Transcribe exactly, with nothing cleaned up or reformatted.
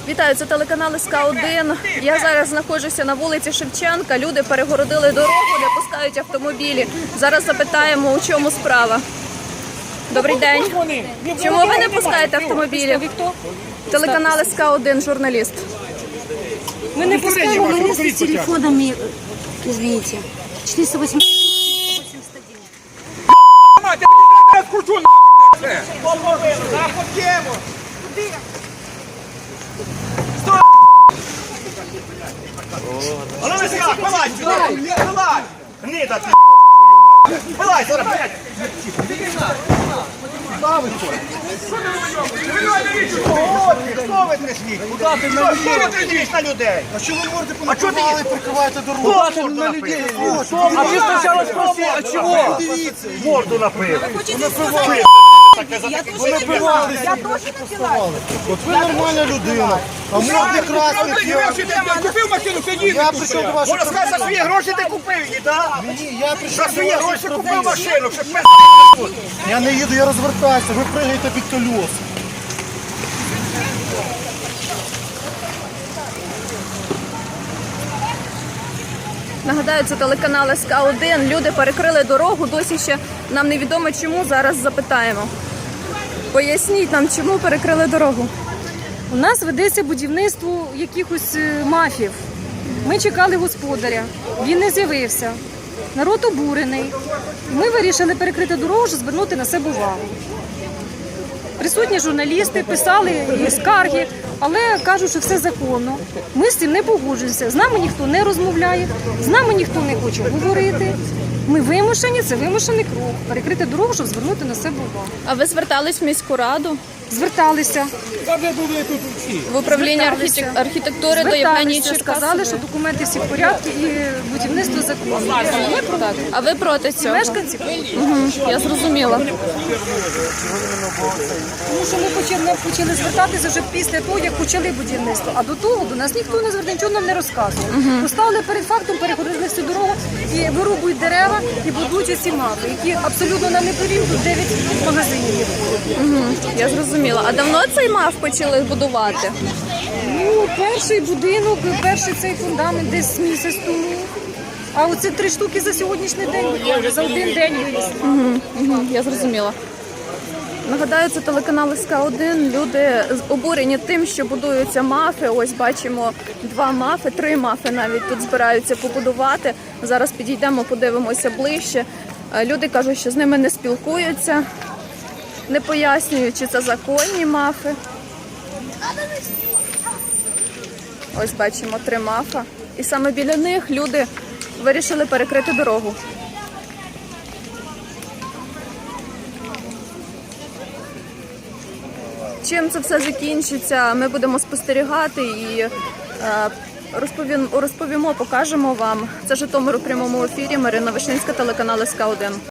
Вітаю, це телеканал ес ка один. Я зараз знаходжуся на вулиці Шевченка. Люди перегородили дорогу, не пускають автомобілі. Зараз запитаємо, у чому справа. Добрий день. Чому ви не пускаєте автомобілі? Телеканал ес ка один, журналіст. Мы не пускаем, мы вместе с телефонами, извините, четыреста восемьдесят один. Мать, я тебе скручу нахуй, блядь! Нахуй тему! Куди? Стой! А ну нафига, вылазь сюда! Вылазь! Гнида ты, ебаную! Вылазь, сюда, блядь! Куда вы что? Що ви тряслись? Що ви тряслись на людей? А що ви морди понакривали і прикриваєте дорогу? Хто на людей? А ви спочатку спросили, а чого? Дивіться. Морду напили. Ви напивалися. Я теж напивала. От ви нормальна людина. А морди красних я. Купив машину, сидіть. Я прийшов до вас, щоб Можна сказати, за свої гроші ти купив її, так? Ні, я прийшов За до свої вас, гроші щоб купив зробити. машину, щоб ми тут. Я не їду, я розвертаюся. Ви пригаєте під колеса. Нагадаю, це телеканал ес ка один. Люди перекрили дорогу, досі ще нам невідомо чому, зараз запитаємо. Поясніть нам, чому перекрили дорогу. У нас ведеться будівництво якихось е, мафів. Ми чекали господаря, він не з'явився. Народ обурений. Ми вирішили перекрити дорогу, щоб звернути на себе увагу. Присутні журналісти писали і скарги, але кажуть, що все законно. Ми з цим не погоджуємося. З нами ніхто не розмовляє, з нами ніхто не хоче говорити. Ми вимушені, це вимушений крок. Перекрити дорогу, щоб звернути на себе увагу. А ви звертались в міську раду? Зверталися. В управління Зверталися. архітек- архітектури до Євгенії Зверталися, сказали, Черкасової? що документи всі в порядку і будівництво законне. Так. А ви проти цього? Мешканці, Угу, я зрозуміла. тому що ми почали, почали звертатися вже після того, як почали будівництво. А до того до нас ніхто не звертав, нічого нам не розказував. Поставили перед фактом, переходили всю дорогу і вирубують дерева і будують оці мапи, які абсолютно нам не повірять, тут дев'ять магазинів є. Угу, я зрозуміла. А давно цей мав почали будувати? Ну, перший будинок, перший цей фундамент десь місяць тому. А оце три штуки за сьогоднішній день, буквально, за один день виріс. Угу, угу, я зрозуміла. Нагадаю, це телеканал ес ка один. Люди обурені тим, що будуються мафи. Ось бачимо два мафи, три мафи навіть тут збираються побудувати. Зараз підійдемо, подивимося ближче. Люди кажуть, що з ними не спілкуються, не пояснюють, чи це законні мафи. Ось бачимо три мафа. І саме біля них люди вирішили перекрити дорогу. Чим це все закінчиться, ми будемо спостерігати і е, розповім, розповімо, покажемо вам. Це Житомир у прямому ефірі. Марина Вишинська, телеканал ес ка один.